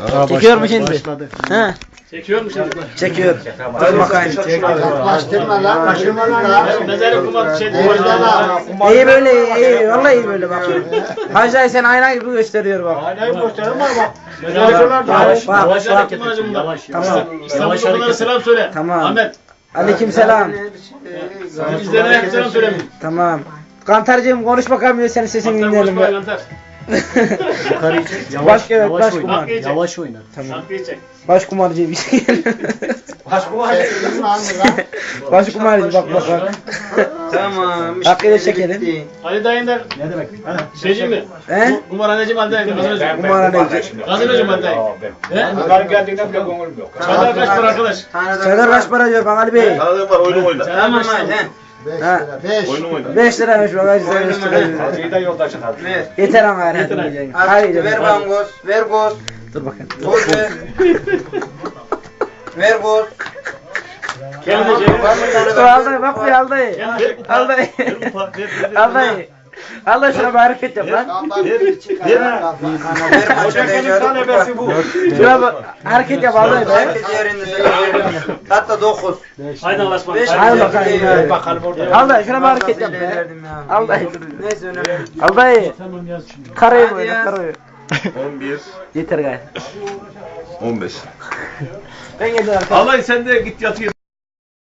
Çekiyor mu şimdi? He. Çekiyor mu şimdi? Çekiyor. Dur bakayım. Yaklaştırma lan. Kaşıma lan. Mezarı kumat şey İyi böyle iyi. Vallahi iyi böyle bak. Hacı sen ayna gibi gösteriyor bak. Aynayı gösterin bak. Yavaş bak. Yavaş. Tamam. İstanbul'da selam söyle. Tamam. Ahmet. Aleykümselam. İzleyenlere selam söyle. Tamam. Kantarcığım konuş bakalım senin sesini dinleyelim. Kantar Kantar. Yukarıyı çek. Baş evet baş kumar. Yavaş oyna. Tamam. Şarkıyı çek. Baş kumarcı bir şey. Baş kumar. Baş kumarcı bak bak. Tamam. Hakkıyla çekelim. Ali dayından Ne demek? şeyci mi? He? Kumarhaneci mi Ali dayı? Gazinocu mu? Kumarhaneci. Gazinocu mu Ali dayı? He? Bunların geldiğinden bile gönlüm yok. Çadar kaç para arkadaş? Çadar kaç para diyor bak Ali Bey? Tanıdığım var oyunu oyna. Tamam hadi. 5 Ha. lira. 5. Oyunu oyna. 5 liraymış bak Hacı sen 5 lira. Hacı'yı da yoldaşın abi. Ver. Yeter ama hadi. Hadi Ver bangoz. Ver goz. dur bakayım. Goz ver. Ver goz. Kendi şey. Var mı tane Dur ver? al bak bir al dayı. Al dayı. Al dayı. Al dayı şuna bir hareket yap lan. Ver maça ver. Şuna bir hareket yap al dayı be. Herkes yerinde söyle. Hatta 9. Haydi Allah'a ısmarladık. Al bakayım. Ver bakalım orada. Al dayı şuna bir hareket yap be. Al dayı. Neyse önemli. Al dayı. Karayı böyle karayı. 11, Yeter gayet. 15. Ben geldim arkadaşlar. Allah sen de git yatıyor.